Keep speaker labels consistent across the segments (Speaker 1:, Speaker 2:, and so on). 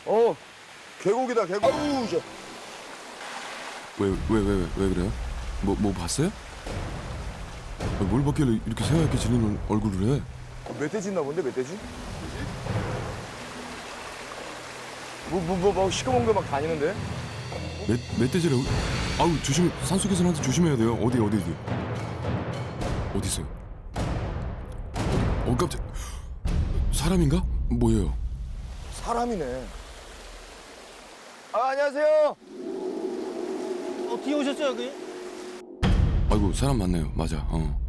Speaker 1: 계곡이다, 계곡. 아우, 저.
Speaker 2: 왜 그래요? 뭐 봤어요? 뭘 봤길래 이렇게 새하얗게 질리는 얼굴을 해?
Speaker 1: 멧돼지 있나 본데, 멧돼지? 시커먼 거 막 다니는데?
Speaker 2: 멧돼지라고? 아우 조심, 산속에서는 항상 조심해야 돼요. 어디 있어요? 깜짝. 사람인가? 뭐예요?
Speaker 1: 사람이네. 안녕하세요.
Speaker 3: 어떻게 오셨어요 여기?
Speaker 2: 아이고 사람 맞네요. 맞아.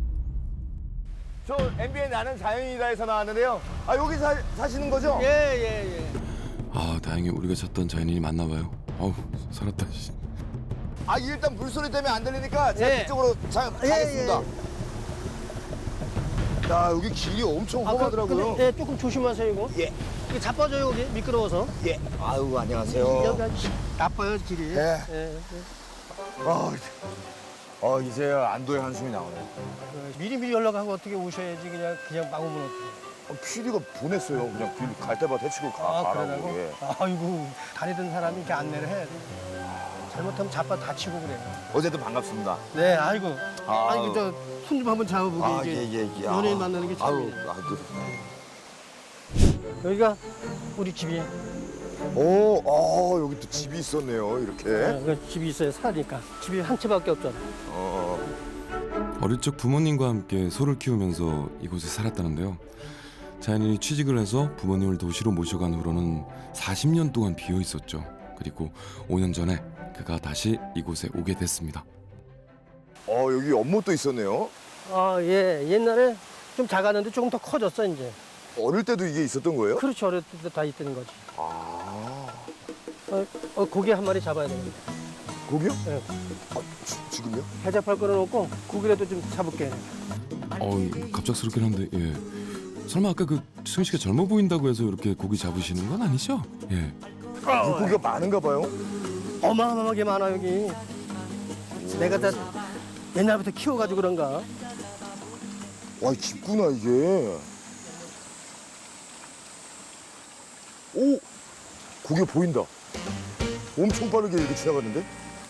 Speaker 1: 저 MBN 나는 자연이다에서 나왔는데요. 여기 사시는 거죠?
Speaker 3: 예.
Speaker 2: 아 다행히 우리가 찾던 자연인이 맞나 봐요. 어우 살았다. 씨.
Speaker 1: 일단 물소리 때문에 안 들리니까 제가
Speaker 3: 예.
Speaker 1: 그쪽으로 가겠습니다. 야, 여기 길이 엄청 험하더라고요.
Speaker 3: 예, 조금 조심하세요 이거.
Speaker 1: 예.
Speaker 3: 이게 자빠져요 여기 미끄러워서.
Speaker 1: 예. 아유, 안녕하세요.
Speaker 3: 여기 아주 나빠요 길이.
Speaker 1: 예.
Speaker 3: 예.
Speaker 1: 이제야 안도의 한숨이 나오네요.
Speaker 3: 미리 연락하고 어떻게 오셔야지 그냥 막 오면 어떡해.
Speaker 1: PD가 보냈어요. 그냥 길 갈 때마다 해치고 가라고.
Speaker 3: 그러라고?
Speaker 1: 예.
Speaker 3: 아이고 다니던 사람이 이렇게 안내를 해야 돼. 잘못하면 자빠 다치고 그래.
Speaker 1: 어제도 반갑습니다.
Speaker 3: 네, 아이고.
Speaker 1: 아유.
Speaker 3: 아이고 저 손 좀 한번 잡아보게 이게.
Speaker 1: 예.
Speaker 3: 연예인 만나는 게 참. 여기가 우리 집이에요.
Speaker 1: 여기 또 집이 있었네요. 이렇게.
Speaker 3: 그 집이 있어요 사니까. 집이 한 채밖에 없잖아.
Speaker 2: 어릴 적 부모님과 함께 소를 키우면서 이곳에 살았다는데요. 자연인이 취직을 해서 부모님을 도시로 모셔간 후로는 40년 동안 비어 있었죠. 그리고 5년 전에 그가 다시 이곳에 오게 됐습니다.
Speaker 1: 여기 연못도 있었네요.
Speaker 3: 예. 옛날에 좀 작았는데 조금 더 커졌어 이제.
Speaker 1: 어릴 때도 이게 있었던 거예요?
Speaker 3: 그렇죠. 어릴 때 다 있던 거지. 고기 한 마리 잡아야 되는데.
Speaker 1: 고기요?
Speaker 3: 네.
Speaker 1: 지금요?
Speaker 3: 해잡할 거놓고 고기라도 좀 잡을게.
Speaker 2: 갑작스럽긴 한데 예. 설마 아까 그 승희 씨가 젊어 보인다고 해서 이렇게 고기 잡으시는 건 아니죠? 예.
Speaker 1: 물고기가 많은가 봐요.
Speaker 3: 어마어마하게 많아 여기. 내가 다 옛날부터 키워가지고 그런가.
Speaker 1: 와, 깊구나 이게. 오! 고기가 보인다. 엄청 빠르게 이렇게 지나갔는데?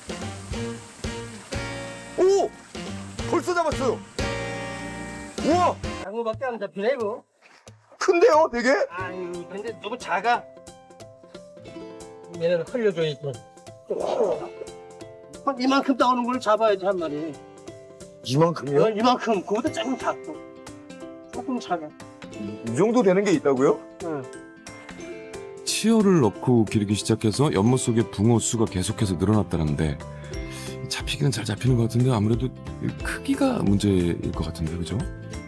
Speaker 1: 오! 벌써 잡았어요. 우와!
Speaker 3: 장어밖에 안 잡히네 이거.
Speaker 1: 큰데요, 되게?
Speaker 3: 아유 근데 너무 작아. 얘는 흘려줘야지. 좀 키워. 한 이만큼 나오는 걸 잡아야지 한 마리.
Speaker 1: 이만큼이요?
Speaker 3: 이만큼. 그거보다 조금 작고. 조금 작아.
Speaker 1: 이 정도 되는 게 있다고요?
Speaker 3: 응.
Speaker 2: 치어를 넣고 기르기 시작해서 연못 속에 붕어 수가 계속해서 늘어났다는데 잡히기는 잘 잡히는 것 같은데 아무래도 크기가 문제일 것 같은데 그죠?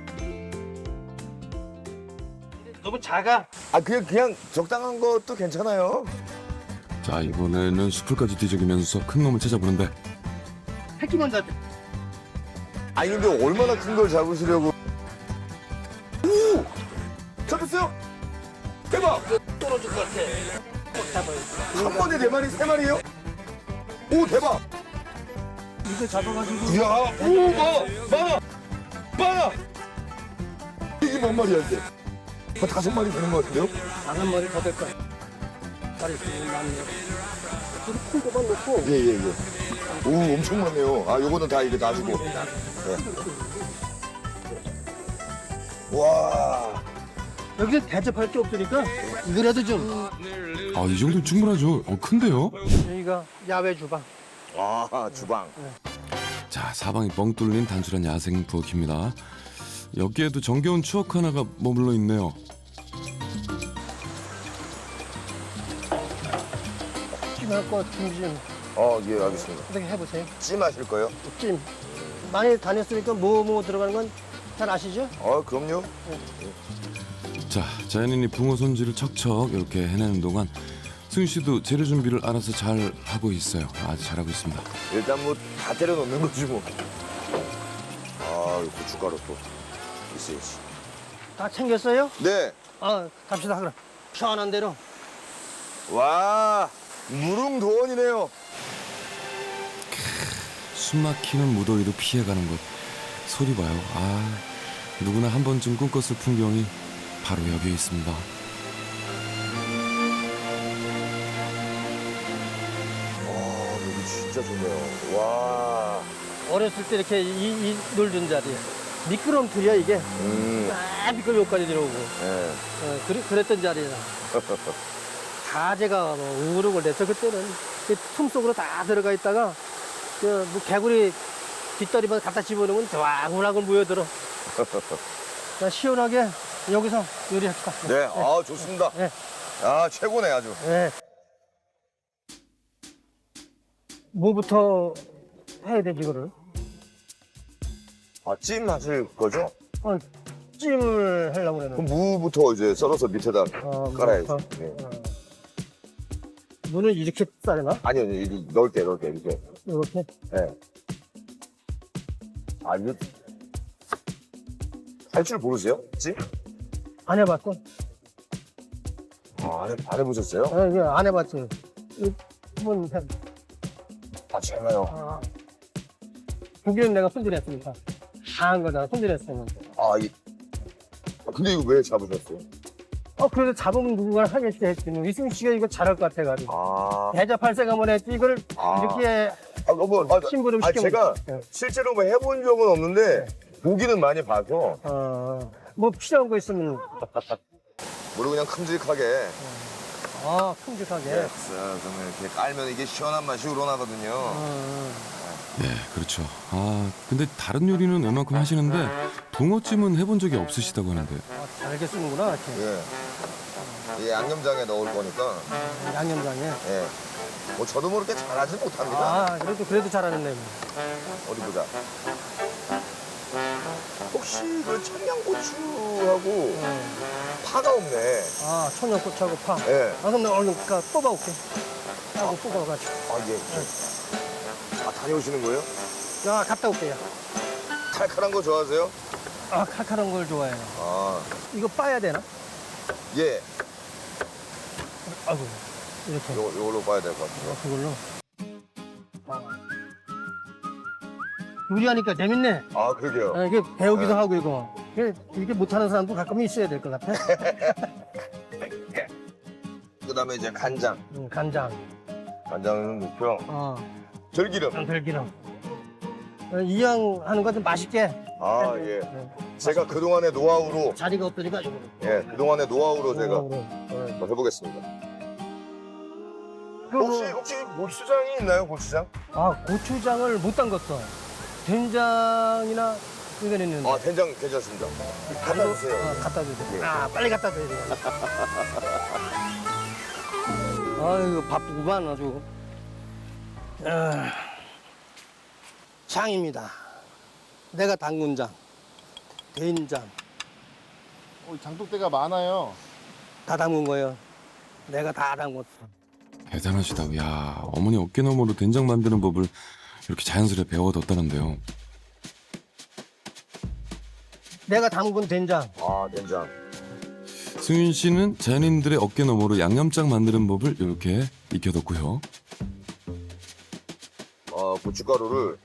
Speaker 3: 너무 작아.
Speaker 1: 그냥 적당한 것도 괜찮아요.
Speaker 2: 자 이번에는 숲을까지 뒤적이면서 큰 놈을 찾아보는데
Speaker 3: 새끼만 잡혀.
Speaker 1: 근데 얼마나 큰 걸 잡으시려고. 오! 잡혔어요? 대박!
Speaker 3: 떨어질 것 같아. 꼭 잡아요.
Speaker 1: 한 번에 4마리, 3마리요? 오, 대박!
Speaker 3: 이거 잡아가지고.
Speaker 1: 이야, 오, 많아! 이게 몇 마리야, 이제? 한 5마리 되는 것 같은데요?
Speaker 3: 한 마리 더 될 거야. 다리 많네. 큰 거만 넣고.
Speaker 1: 예. 오, 엄청 많네요. 요거는 다 이게 놔주고. 와.
Speaker 3: 여기서 대접할 게 없으니까 이거라도 좀.
Speaker 2: 이 정도 충분하죠. 큰데요?
Speaker 3: 여기가 야외 주방.
Speaker 1: 주방.
Speaker 2: 자 사방이 뻥 뚫린 단순한 야생 부엌입니다. 여기에도 정겨운 추억 하나가 머물러 있네요.
Speaker 3: 찜할 거 준비 좀
Speaker 1: 예, 알겠습니다.
Speaker 3: 어떻게 해보세요.
Speaker 1: 찜하실 거예요?
Speaker 3: 찜. 많이 다녔으니까 뭐 들어가는 건 잘 아시죠?
Speaker 1: 그럼요.
Speaker 2: 자 자연인이 붕어 손질을 척척 이렇게 해내는 동안 승희 씨도 재료 준비를 알아서 잘 하고 있어요. 아주 잘하고 있습니다.
Speaker 1: 일단 뭐 다 때려 넣는 거지 뭐. 이 고춧가루 또 있어야지.
Speaker 3: 다 챙겼어요?
Speaker 1: 네.
Speaker 3: 갑시다 그럼. 시원한 대로.
Speaker 1: 와, 무릉도원이네요.
Speaker 2: 숨 막히는 무더위도 피해가는 것 소리 봐요. 누구나 한 번쯤 꿈꿨을 풍경이 바로 여기에 있습니다.
Speaker 1: 진짜 좋네요. 와.
Speaker 3: 어렸을 때 이렇게 이 놀던 자리. 미끄럼틀이야, 이게. 쫙 미끄럼 여기까지 들어오고.
Speaker 1: 네.
Speaker 3: 그랬던 자리야. 가재가 뭐 우르고 그래서 그때는 그 틈 속으로 다 들어가 있다가 뭐 개구리 뒷다리만 갖다 집어넣으면 와글와글 모여들어. 자, 시원하게 여기서 요리할까?
Speaker 1: 네, 아, 좋습니다.
Speaker 3: 네.
Speaker 1: 아, 최고네, 아주.
Speaker 3: 네. 뭐부터 해야 되지, 이거를?
Speaker 1: 아, 찜 하실 거죠?
Speaker 3: 찜을 하려고 그러는.
Speaker 1: 그럼 무부터 이제 썰어서 밑에다 깔아야지.
Speaker 3: 무부터?
Speaker 1: 네.
Speaker 3: 무는 이렇게 싸려나?
Speaker 1: 아니요, 이렇게 넓게, 이렇게.
Speaker 3: 이렇게?
Speaker 1: 네. 아, 이거. 할 줄 모르세요? 찜?
Speaker 3: 안 해봤어?
Speaker 1: 아, 안 해보셨어요?
Speaker 3: 이게 안 해봤지. 한번 해.
Speaker 1: 아, 제가요.
Speaker 3: 고기는 내가 손질했으니까. 다한 거잖아, 손질했으면.
Speaker 1: 아, 근데 이거 왜 잡으셨어요?
Speaker 3: 그래도 잡으면 누군가 하겠지 했지. 뭐 이승희 씨가 이거 잘할 것 같아가지고.
Speaker 1: 아.
Speaker 3: 대자팔색 한번 했지. 이걸 이렇게 심부름 시켜.
Speaker 1: 제가 실제로 뭐 해본 적은 없는데, 보기는 많이 봐서.
Speaker 3: 뭐 필요한 거 있으면.
Speaker 1: 물을 그냥 큼직하게.
Speaker 3: 큼직하게.
Speaker 1: 네, 정말 이렇게 깔면 이게 시원한 맛이 우러나거든요.
Speaker 2: 예, 그렇죠. 아, 근데 다른 요리는 웬만큼 하시는데 붕어찜은 해본 적이 없으시다고 하는데.
Speaker 3: 잘게 쓰는구나, 이렇게.
Speaker 1: 예. 이 양념장에 넣을 거니까.
Speaker 3: 양념장에.
Speaker 1: 예. 뭐 저도 모르게 잘하지 못합니다.
Speaker 3: 그래도 잘하는 애.
Speaker 1: 어디 보자. 혹시 그 청양고추하고 파가 없네.
Speaker 3: 청양고추하고 파.
Speaker 1: 예.
Speaker 3: 그럼 내가 얼른 뽑아올게. 하고 뽑아가지고.
Speaker 1: 아, 예. 아, 다녀오시는 거예요?
Speaker 3: 갔다 올게요.
Speaker 1: 칼칼한 거 좋아하세요?
Speaker 3: 칼칼한 걸 좋아해요. 이거 빠야 되나?
Speaker 1: 예.
Speaker 3: 아이고, 이렇게.
Speaker 1: 요걸로 봐야 될 것 같아요.
Speaker 3: 그걸로. 요리하니까 재밌네.
Speaker 1: 아, 그러게요.
Speaker 3: 이게 배우기도 하고 이거. 이렇게 못하는 사람도 가끔 있어야 될 것 같아.
Speaker 1: 그 다음에 이제 간장.
Speaker 3: 간장.
Speaker 1: 간장은 넣고요. 들기름.
Speaker 3: 들기름. 이왕 하는 거 좀 맛있게.
Speaker 1: 예. 제가 그동안의 노하우로.
Speaker 3: 자리가 없으니까 이거.
Speaker 1: 예, 그동안의 노하우로 제가
Speaker 3: 네.
Speaker 1: 한번 해보겠습니다. 혹시 고추장이 있나요, 고추장?
Speaker 3: 고추장을 못 담갔어. 된장이나 이건 있는데.
Speaker 1: 된장 괜찮습니다. 갖다 주세요.
Speaker 3: 갖다 주세요.
Speaker 1: 예.
Speaker 3: 빨리 갖다 줘야 돼. 아이고, 바쁘구만, 아주. 장입니다. 내가 담근 장, 된장.
Speaker 4: 장독대가 많아요.
Speaker 3: 다 담근 거예요. 내가 다 담궜어.
Speaker 2: 대단하시다. 야, 어머니 어깨너머로 된장 만드는 법을 이렇게 자연스레 배워뒀다는데요.
Speaker 3: 내가 담근 된장.
Speaker 1: 된장.
Speaker 2: 승윤 씨는 자연인들의 어깨너머로 양념장 만드는 법을 이렇게 익혀뒀고요.
Speaker 1: 고춧가루를.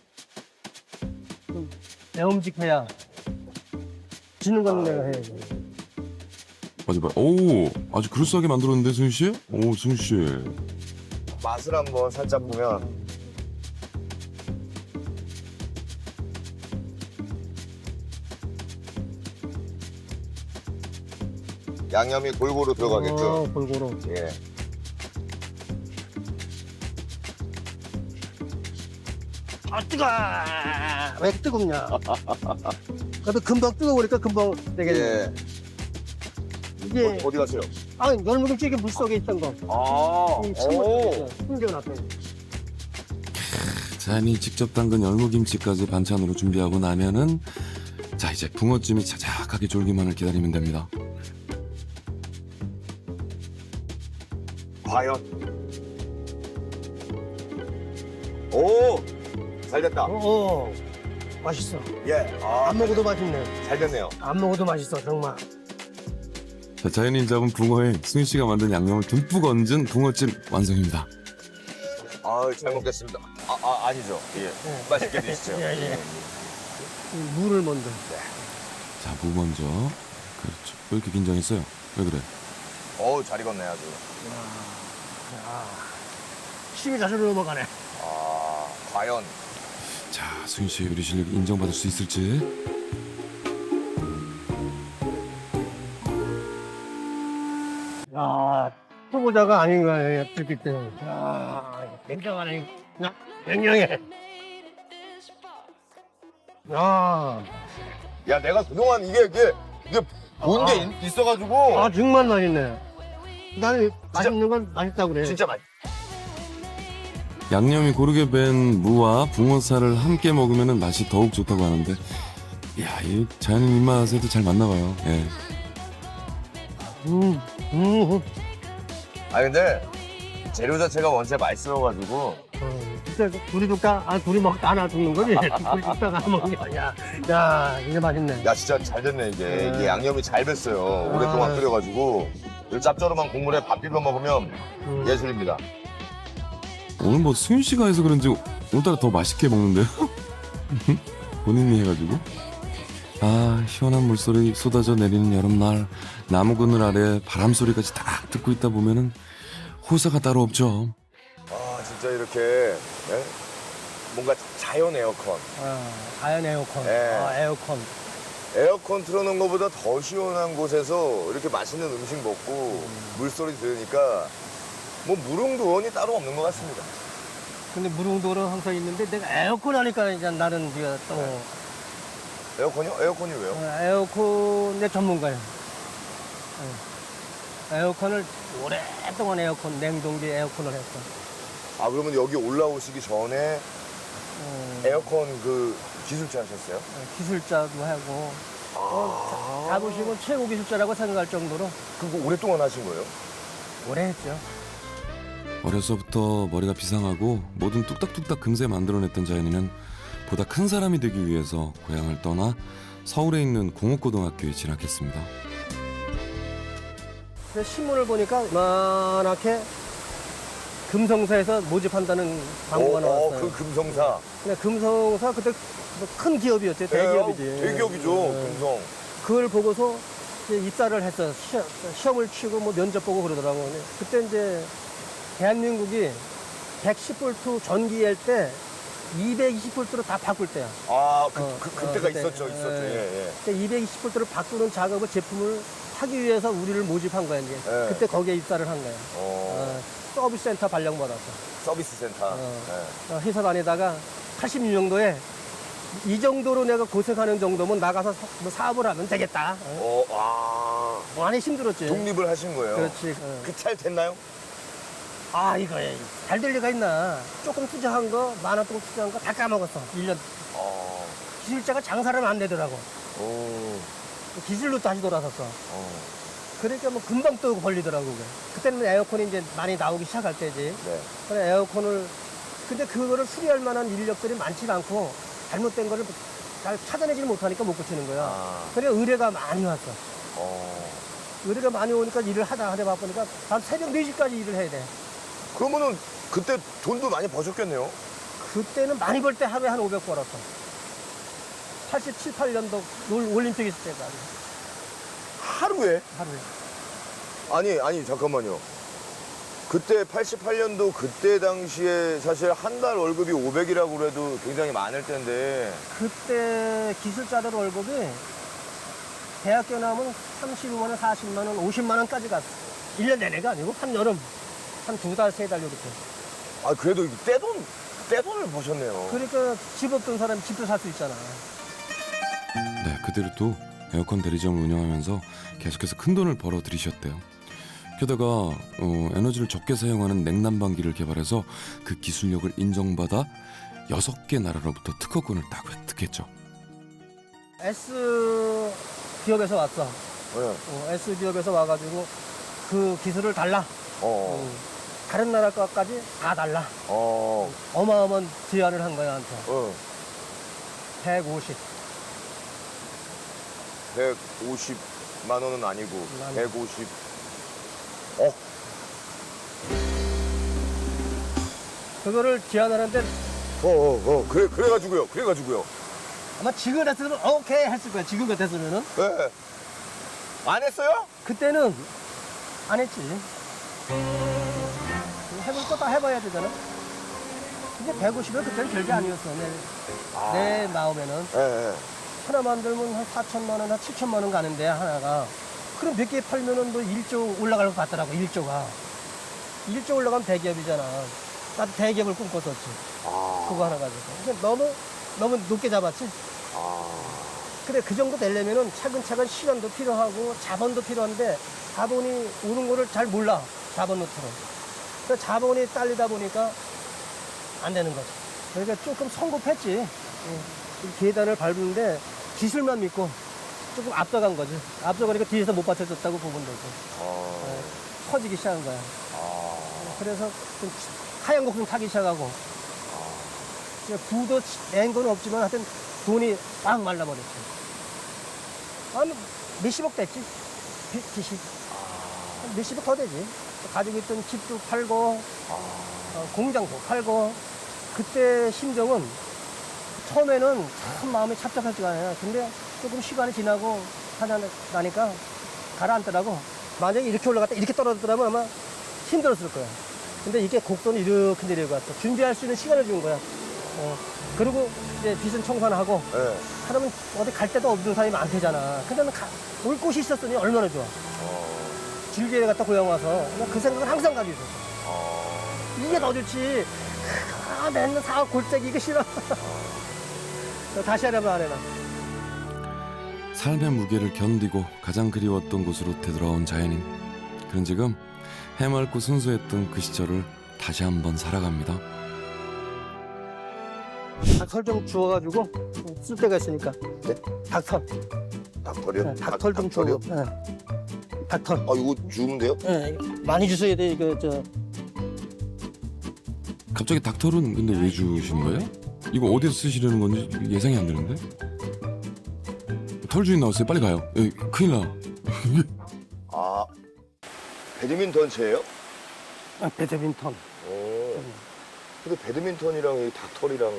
Speaker 3: 매움직해야 지는 건 내가 해야지.
Speaker 2: 맞아. 오, 아주 그럴싸하게 만들었는데, 승윤 씨? 오, 승윤 씨.
Speaker 1: 맛을 한번 살짝 보면. 양념이 골고루 들어가겠죠?
Speaker 3: 골고루.
Speaker 1: 예.
Speaker 3: 뜨거! 왜 뜨겁냐? 그래도 금방 뜨거우니까 금방 되겠네.
Speaker 1: 예.
Speaker 3: 이게
Speaker 1: 어디 가세요?
Speaker 3: 열무김치 이게 물속에 있던 거. 이
Speaker 1: 오.
Speaker 3: 숨겨놨어요.
Speaker 2: 자연이 직접 담근 열무김치까지 반찬으로 준비하고 나면은 자, 이제 붕어찜이 자작하게 졸기만을 기다리면 됩니다.
Speaker 1: 과연. 오! 잘 됐다.
Speaker 3: 맛있어.
Speaker 1: 예.
Speaker 3: 안 먹어도 맛있네.
Speaker 1: 잘 됐네요.
Speaker 3: 안 먹어도 맛있어, 정말.
Speaker 2: 자, 자연인 잡은 붕어에 승윤 씨가 만든 양념을 듬뿍 얹은 붕어찜 완성입니다.
Speaker 1: 잘 먹겠습니다. 아니죠. 예. 맛있게 드시죠.
Speaker 3: 예. 물을 먼저.
Speaker 2: 자, 무 먼저. 그렇죠. 왜 이렇게 긴장했어요? 왜 그래?
Speaker 1: 잘 익었네, 아주.
Speaker 3: 힘이 자주 넘어가네.
Speaker 1: 아, 과연.
Speaker 2: 자, 수윤 씨의 요리 실력 인정받을 수 있을지.
Speaker 3: 야, 초보자가 아닌 거예요, 뜯길 때는. 야, 굉장하네. 야, 굉장해. 야,
Speaker 1: 야, 내가 그동안 이게 본 게 있어가지고.
Speaker 3: 아, 정말 맛있네. 나는 맛있는 건 맛있다고 그래.
Speaker 1: 진짜 맛있.
Speaker 2: 양념이 고르게 밴 무와 붕어살을 함께 먹으면 맛이 더욱 좋다고 하는데, 야, 이 자연인 입맛에도 잘 맞나 봐요. 예.
Speaker 1: 아, 근데 재료 자체가 원체 맛있어가지고.
Speaker 3: 진짜 둘이 줄까? 아, 둘이 먹다 하나 죽는 거지? 둘이 줄까? 하나 먹는 거야. 야, 이게 맛있네.
Speaker 1: 야, 진짜 잘 됐네, 이게. 이게 양념이 잘 뱄어요. 오랫동안 끓여가지고. 이 짭조름한 국물에 밥 비벼 먹으면 예술입니다.
Speaker 2: 오늘 뭐 수윤 씨가 해서 그런지 오늘따라 더 맛있게 먹는데요? 본인이 해가지고. 아, 시원한 물소리 쏟아져 내리는 여름날 나무 그늘 아래 바람 소리까지 딱 듣고 있다 보면은 호사가 따로 없죠.
Speaker 1: 아, 진짜 이렇게 예? 뭔가 자연 에어컨.
Speaker 3: 자연 에어컨.
Speaker 1: 네.
Speaker 3: 에어컨.
Speaker 1: 에어컨 틀어놓은 것보다 더 시원한 곳에서 이렇게 맛있는 음식 먹고 물소리 들으니까 뭐 무릉도원이 따로 없는 것 같습니다.
Speaker 3: 근데 무릉도는 항상 있는데 내가 에어컨 하니까 이제 나는 네가 또
Speaker 1: 에어컨이요? 에어컨이 왜요?
Speaker 3: 에어컨 내 전문가예요. 에어컨을 오랫동안 냉동기 에어컨을 했어.
Speaker 1: 아, 그러면 여기 올라오시기 전에 에어컨 그 기술자 하셨어요?
Speaker 3: 기술자도 하고 자부심은 최고 기술자라고 생각할 정도로
Speaker 1: 그거 오랫동안 하신 거예요?
Speaker 3: 오래 했죠.
Speaker 2: 어려서부터 머리가 비상하고 뭐든 뚝딱뚝딱 금세 만들어냈던 자연이는 보다 큰 사람이 되기 위해서 고향을 떠나 서울에 있는 공업고등학교에 진학했습니다.
Speaker 3: 그래서 신문을 보니까 이만하게 금성사에서 모집한다는 광고가 나왔어요.
Speaker 1: 그 금성사.
Speaker 3: 근데 금성사 그때 뭐큰 기업이었죠. 대기업이지.
Speaker 1: 대기업이죠, 금성.
Speaker 3: 그걸 보고서 이제 입사를 했어. 시험을 치고 뭐 면접 보고 그러더라고. 근데 그때 이제 대한민국이 110V 전기일 때 220V로 다 바꿀 때야.
Speaker 1: 아, 그때가
Speaker 3: 그때.
Speaker 1: 있었죠.
Speaker 3: 예.
Speaker 1: 예.
Speaker 3: 그때 220V로 바꾸는 작업을 제품을 하기 위해서 우리를 모집한 거야 이제.
Speaker 1: 예.
Speaker 3: 그때 거기에 입사를 한 거야. 서비스 센터 발령받았어.
Speaker 1: 서비스 센터.
Speaker 3: 회사 다니다가 86년도에 이 정도로 내가 고생하는 정도면 나가서 사업을 하면 되겠다. 많이 힘들었지.
Speaker 1: 독립을 하신 거예요.
Speaker 3: 그렇지.
Speaker 1: 그 잘 됐나요?
Speaker 3: 아, 이거 잘 될 리가 있나. 조금 투자한 거, 10,000원 조금 투자한 거 다 까먹었어. 1년. 기술자가 장사를 하면 안 되더라고. 기술로 다시 돌아섰어. 그러니까 뭐 금방 또 걸리더라고. 그게. 그때는 에어컨이 이제 많이 나오기 시작할 때지.
Speaker 1: 네.
Speaker 3: 그래, 에어컨을, 근데 그거를 수리할 만한 인력들이 많지가 않고 잘못된 거를 잘 찾아내지 못하니까 못 고치는 거야. 그래, 의뢰가 많이 왔어. 의뢰가 많이 오니까 일을 하다 바쁘니까 밤 새벽 4시까지 일을 해야 돼.
Speaker 1: 그러면은 그때 돈도 많이 버셨겠네요.
Speaker 3: 그때는 많이 벌 때 하루에 한 500 벌었어. 87, 8년도 올림픽 있을 때가
Speaker 1: 하루에?
Speaker 3: 하루에.
Speaker 1: 아니, 잠깐만요. 그때 88년도 그때 당시에 사실 한 달 월급이 500이라고 그래도 굉장히 많을 텐데.
Speaker 3: 그때 기술자들 월급이 대학교 나오면 35만 원, 40만 원, 50만 원까지 갔어. 1년 내내가 아니고 한여름. 한 2달, 3달 이렇게.
Speaker 1: 아, 그래도 떼돈을 버셨네요.
Speaker 3: 그러니까 집 없던 사람이 집도 살 수 있잖아.
Speaker 2: 네, 그대로 또 에어컨 대리점을 운영하면서 계속해서 큰 돈을 벌어 들이셨대요. 게다가 에너지를 적게 사용하는 냉난방기를 개발해서 그 기술력을 인정받아 6개 나라로부터 특허권을 딱 획득했죠.
Speaker 3: S 기업에서 왔어.
Speaker 1: 네.
Speaker 3: S 기업에서 와가지고 그 기술을 달라. 다른 나라 것까지 다 달라. 어마어마한 제안을 한 거야, 한테. 150.
Speaker 1: 150만 원은 아니고 150.
Speaker 3: 그거를 제안하는데
Speaker 1: 그래가지고요.
Speaker 3: 아마 지금 같았으면 오케이 했을 거야. 지금 같았으면은.
Speaker 1: 네. 안 했어요?
Speaker 3: 그때는 안 했지. 해볼 거 다 해봐야 되잖아. 근데 150은 그때는 별게 아니었어. 내 마음에는.
Speaker 1: 예, 예.
Speaker 3: 하나 만들면 한 4천만 원, 한 7천만 원 가는데 하나가. 그럼 몇 개 팔면은 뭐 1조 올라갈 것 같더라고, 1조가. 1조 올라가면 대기업이잖아. 나도 대기업을 꿈꿨었지. 그거 하나 가지고. 근데 너무 높게 잡았지. 근데 그 정도 되려면은 차근차근 시간도 필요하고 자본도 필요한데 자본이 오는 거를 잘 몰라. 자본 노트로. 그래서 자본이 딸리다 보니까 안 되는 거지. 그러니까 조금 성급했지. 이 계단을 밟는데 기술만 믿고 조금 앞서간 거지. 앞서가니까 뒤에서 못 받쳐줬다고 보면 되지. 커지기 시작한 거야. 그래서 좀 하얀 곡좀 타기 시작하고. 부도 낸 건 없지만 하여튼 돈이 꽉 말라버렸지. 한 몇십억 됐지. 빚이. 몇십억 더 되지. 가지고 있던 집도 팔고, 공장도 팔고. 그때 심정은 처음에는 참 마음이 착잡하지가 않아요. 근데 조금 시간이 지나고 하니까 가라앉더라고. 만약에 이렇게 올라갔다 이렇게 떨어졌더라면 아마 힘들었을 거야. 근데 이게 곡선이 이렇게 내려갔어. 준비할 수 있는 시간을 준 거야. 그리고 이제 빚은 청산하고
Speaker 1: 예.
Speaker 3: 사람은 어디 갈 데도 없는 사람이 많대잖아. 근데 나는 올 곳이 있었으니 얼마나 좋아. 즐기에 갔다 고향 와서 그 생각을 항상 가지고 있었어. 이게 더 좋지. 맨날 사업 골짜기 이거 싫어. 다시 하려면 안 해나.
Speaker 2: 삶의 무게를 견디고 가장 그리웠던 곳으로 되돌아온 자연인. 그런 지금 해맑고 순수했던 그 시절을 다시 한번 살아갑니다.
Speaker 3: 닭털 좀 주워가지고 쓸 데가 있으니까.
Speaker 1: 네?
Speaker 3: 닭털.
Speaker 1: 닭털이요?
Speaker 3: 닭털 좀
Speaker 1: 닭털이요?
Speaker 3: 주워. 닭털.
Speaker 1: 이거 주면 돼요?
Speaker 3: 많이 주셔야 돼. 이거
Speaker 2: 갑자기 닭털은 근데 왜 주신 거예요? 이거 어디서 쓰시려는 건지 예상이 안 되는데? 털 주인 나왔어요. 빨리 가요. 큰일 나.
Speaker 1: 배드민턴채예요?
Speaker 3: 배드민턴.
Speaker 1: 근데 배드민턴이랑 이 닭털이랑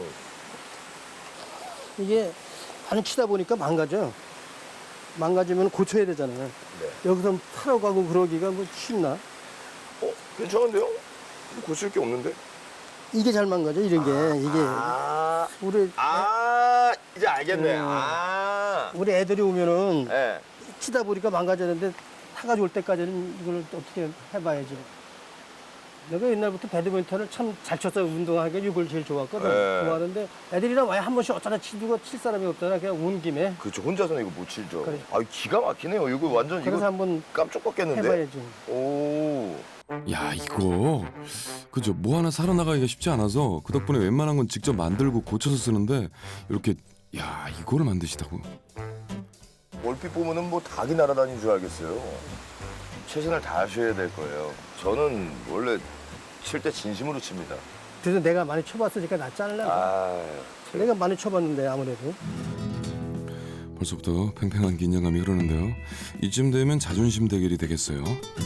Speaker 3: 이게 많이 치다 보니까 망가져. 망가지면 고쳐야 되잖아요.
Speaker 1: 네.
Speaker 3: 여기서 타러 가고 그러기가 뭐 쉽나?
Speaker 1: 괜찮은데요? 고칠 게 없는데?
Speaker 3: 이게 잘 망가져, 이런 게. 이게. 우리,
Speaker 1: 이제 알겠네.
Speaker 3: 우리 애들이 오면은
Speaker 1: 예.
Speaker 3: 치다 보니까 망가졌는데 타가지고 올 때까지는 이걸 또 어떻게 해봐야지. 내가 옛날부터 배드민턴을 참 잘 쳤어요. 운동하기가 이걸 제일 좋아했거든.
Speaker 1: 네.
Speaker 3: 좋아하는데 애들이랑 와야 한 번씩 어쩌다 치고 칠 사람이 없잖아. 그냥 온 김에.
Speaker 1: 그렇죠. 혼자서는 이거 못 치죠.
Speaker 3: 그래.
Speaker 1: 기가 막히네요. 이거 완전
Speaker 3: 그래서
Speaker 1: 이거
Speaker 3: 한번
Speaker 1: 깜짝 꺾겠는데?
Speaker 3: 해봐야지.
Speaker 1: 오.
Speaker 2: 야 이거 그죠? 뭐 하나 사러 나가기가 쉽지 않아서 그 덕분에 웬만한 건 직접 만들고 고쳐서 쓰는데 이렇게 이거를 만드시다고.
Speaker 1: 얼핏 보면은 뭐 닭이 날아다니는 줄 알겠어요. 최선을 다하셔야 될 거예요. 저는 원래 칠 때 진심으로 칩니다.
Speaker 3: 그래서 내가 많이 쳐봤으니까 나 잘라. 내가 많이 쳐봤는데 아무래도.
Speaker 2: 벌써부터 팽팽한 긴장감이 흐르는데요. 이쯤 되면 자존심 대결이 되겠어요.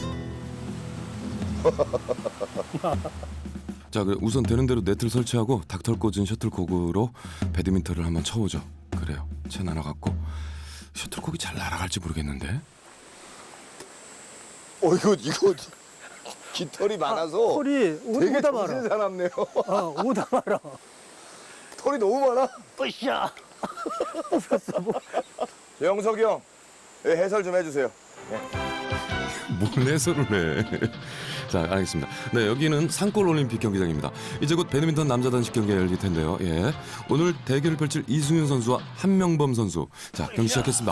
Speaker 2: 자, 우선 되는 대로 네트를 설치하고 닭털 꽂은 셔틀콕으로 배드민턴을 한번 쳐보죠. 그래요. 채 날아갔고 셔틀콕이 잘 날아갈지 모르겠는데.
Speaker 1: 이거 깃털이 많아서
Speaker 3: 털이
Speaker 1: 되게
Speaker 3: 오다 말아.
Speaker 1: 정신사납네요.
Speaker 3: 오다 말아.
Speaker 1: 털이 너무 많아.
Speaker 3: 으쌰.
Speaker 1: 영석이 형, 해설 좀 해주세요.
Speaker 2: 뭘 해설을 해. 자, 알겠습니다. 네, 여기는 산골 올림픽 경기장입니다. 이제 곧 배드민턴 남자 단식 경기가 열릴 텐데요. 오늘 대결을 펼칠 이승윤 선수와 한명범 선수. 자, 경기 시작했습니다.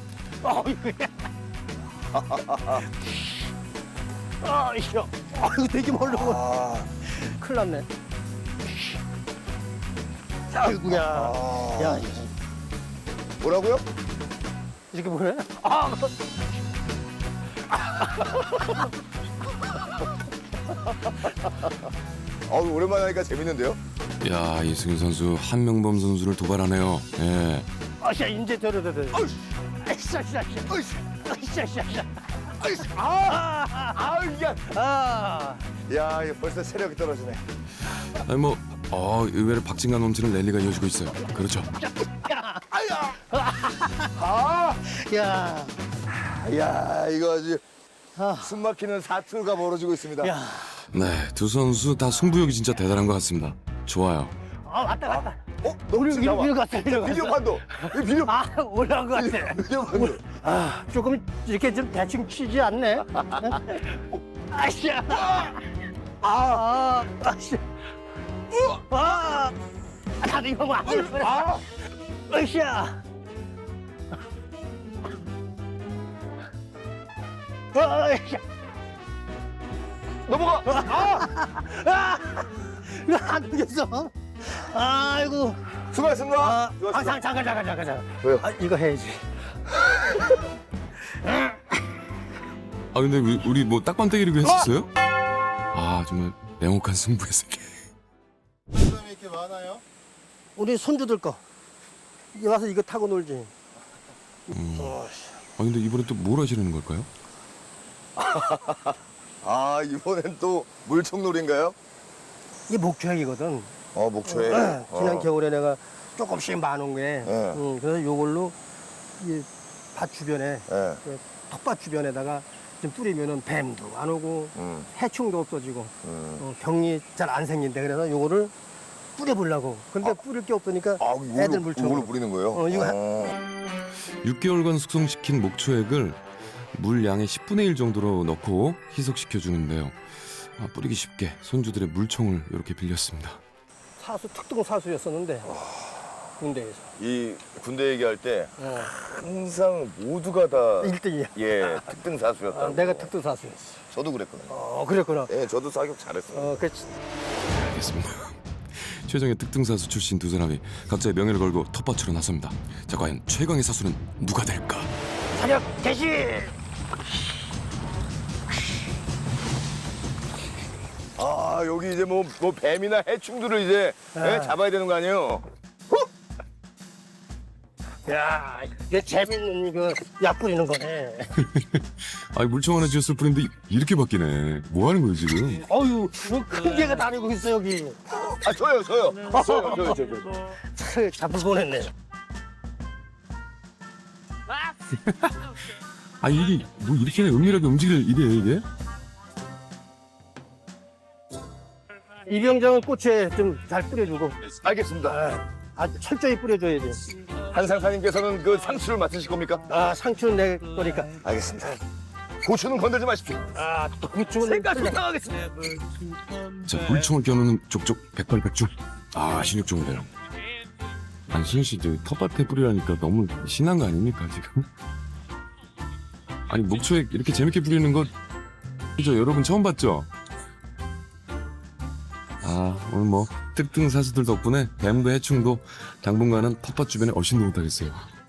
Speaker 3: 이거 되게 멀리 가. 큰일 났네. 아이고야. 야,
Speaker 1: 뭐라고요?
Speaker 3: 이렇게 보네?
Speaker 1: 오랜만에 하니까 재밌는데요?
Speaker 2: 야, 이승윤 선수 한명범 선수를 도발하네요. 예.
Speaker 3: 야, 이제 저러다.
Speaker 1: 야, 이거 벌써 체력이 떨어지네.
Speaker 2: 아니 의외로 박진감 넘치는 랠리가 이어지고 있어요. 그렇죠.
Speaker 3: 야,
Speaker 1: 이거 아주 숨막히는 사투가 벌어지고 있습니다.
Speaker 3: 야.
Speaker 2: 네, 두 선수 다 승부욕이 진짜 대단한 것 같습니다. 좋아요.
Speaker 3: 왔다.
Speaker 1: 너무
Speaker 3: 위로 갔어.
Speaker 1: 비디오 판도. 이 비디오
Speaker 3: 올라온 것 같아.
Speaker 1: 비디오 판도.
Speaker 3: 조금 이렇게 좀 대충 치지 않네. 아씨야. 아씨. 나도 이거 뭐 아씨야. 아씨야.
Speaker 1: 넘어가.
Speaker 3: 안 되겠어. 아이고.
Speaker 1: 수고하셨습니다.
Speaker 3: 잠깐.
Speaker 1: 왜요?
Speaker 3: 이거 해야지.
Speaker 2: 아 근데 우리 뭐 딱밤때기리고 했었어요? 아 정말 냉혹한 승부의 세계.
Speaker 4: 사람이 이렇게 많아요?
Speaker 3: 우리 손주들 거. 이제 와서 이거 타고 놀지.
Speaker 2: 아 근데 이번에 또 뭘 하시려는 걸까요?
Speaker 1: 아, 이번엔 또 물총놀이인가요?
Speaker 3: 이게 목초액이거든.
Speaker 1: 목초에.
Speaker 3: 지난 겨울에 내가 조금씩 많은 게.
Speaker 1: 네.
Speaker 3: 그래서 요걸로 이 밭 주변에,
Speaker 1: 예.
Speaker 3: 텃밭 주변에다가 좀 뿌리면은 뱀도 안 오고
Speaker 1: 음.
Speaker 3: 해충도 없어지고 병이 잘 안 생긴대. 그래서 요거를 뿌려보려고. 근데 뿌릴 게 없으니까 애들 물총.
Speaker 1: 이걸로 뿌리는 거예요?
Speaker 3: 이거
Speaker 2: 6개월간 숙성시킨 목초액을 물 양의 10분의 1 정도로 넣고 희석시켜 주는데요. 뿌리기 쉽게 손주들의 물총을 이렇게 빌렸습니다.
Speaker 3: 사수 특등 사수였었는데 군대에서
Speaker 1: 이 군대 얘기할 때
Speaker 3: 어.
Speaker 1: 항상 모두가 다
Speaker 3: 1등이야.
Speaker 1: 예, 특등 사수였다.
Speaker 3: 내가 특등 사수였어.
Speaker 1: 저도 그랬거든요.
Speaker 3: 그랬구나.
Speaker 1: 예, 저도 사격 잘했어요.
Speaker 3: 그렇지.
Speaker 2: 알겠습니다. 최정의 특등사수 출신 두 사람이 각자의 명예를 걸고 텃밭으로 나섭니다. 자 과연 최강의 사수는 누가 될까?
Speaker 3: 사격 개시.
Speaker 1: 여기 이제 뭐 뱀이나 해충들을 이제 예, 잡아야 되는 거 아니에요?
Speaker 3: 야, 이게 재밌는 이거 약 뿌리는 거네.
Speaker 2: 아니 물총 하나 쥐었을 뿐인데 이렇게 바뀌네. 뭐 하는 거예요 지금?
Speaker 3: 어유, 큰 개가 다니고 있어 여기.
Speaker 1: 저요.
Speaker 3: 잡을 뻔했네.
Speaker 2: 아 이게 뭐 이렇게 은밀하게 움직일 일이에요 이게?
Speaker 3: 이병장은 꽃에 좀 잘 뿌려주고
Speaker 1: 알겠습니다.
Speaker 3: 아주 철저히 뿌려줘야지.
Speaker 1: 한상사님께서는 그 상추를 맡으실 겁니까?
Speaker 3: 상추는 내 거니까.
Speaker 1: 알겠습니다. 고추는 건들지 마십시오.
Speaker 3: 또 그쪽은
Speaker 1: 생각 부탁하겠습니다.
Speaker 2: 자 물총을 겨누는 족족 백발백중. 신육 좋은데요. 아니 신우 씨 저 텃밭에 뿌리라니까 너무 신난 거 아닙니까 지금? 아니 목초에 이렇게 재밌게 뿌리는 거 그죠 여러분 처음 봤죠? 오늘 뭐 특등 사수들 덕분에 뱀도 해충도 당분간은 텃밭 주변에 얼씬도 못하겠어요.